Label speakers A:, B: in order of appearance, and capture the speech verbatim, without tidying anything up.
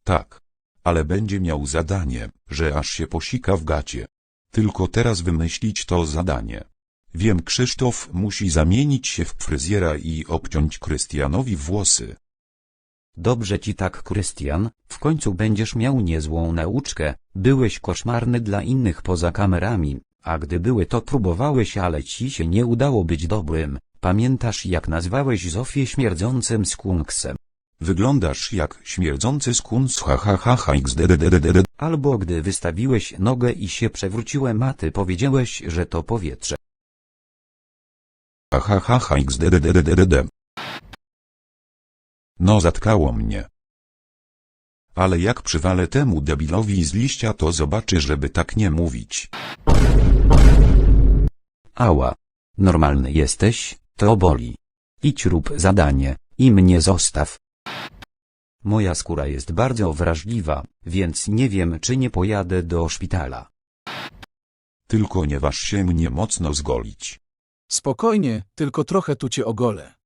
A: Tak. Ale będzie miał zadanie, że aż się posika w gacie. Tylko teraz wymyślić to zadanie. Wiem, Krzysztof musi zamienić się w fryzjera i obciąć Krystianowi włosy.
B: Dobrze ci tak, Krystian, w końcu będziesz miał niezłą nauczkę. Byłeś koszmarny dla innych poza kamerami, a gdy były to próbowałeś, ale ci się nie udało być dobrym. Pamiętasz, jak nazwałeś Zofię śmierdzącym skunksem?
A: Wyglądasz jak śmierdzący skuns, ha ha ha ha xddddd.
B: Albo gdy wystawiłeś nogę i się przewróciłem, a ty powiedziałeś, że to powietrze.
A: Ha ha ha ha xddddd. No, zatkało mnie. Ale jak przywalę temu debilowi z liścia, to zobaczy, żeby tak nie mówić.
B: Ała. Normalny jesteś, to boli. Idź rób zadanie, i mnie zostaw. Moja skóra jest bardzo wrażliwa, więc nie wiem, czy nie pojadę do szpitala.
A: Tylko nie waż się mnie mocno zgolić.
C: Spokojnie, tylko trochę tu cię ogolę.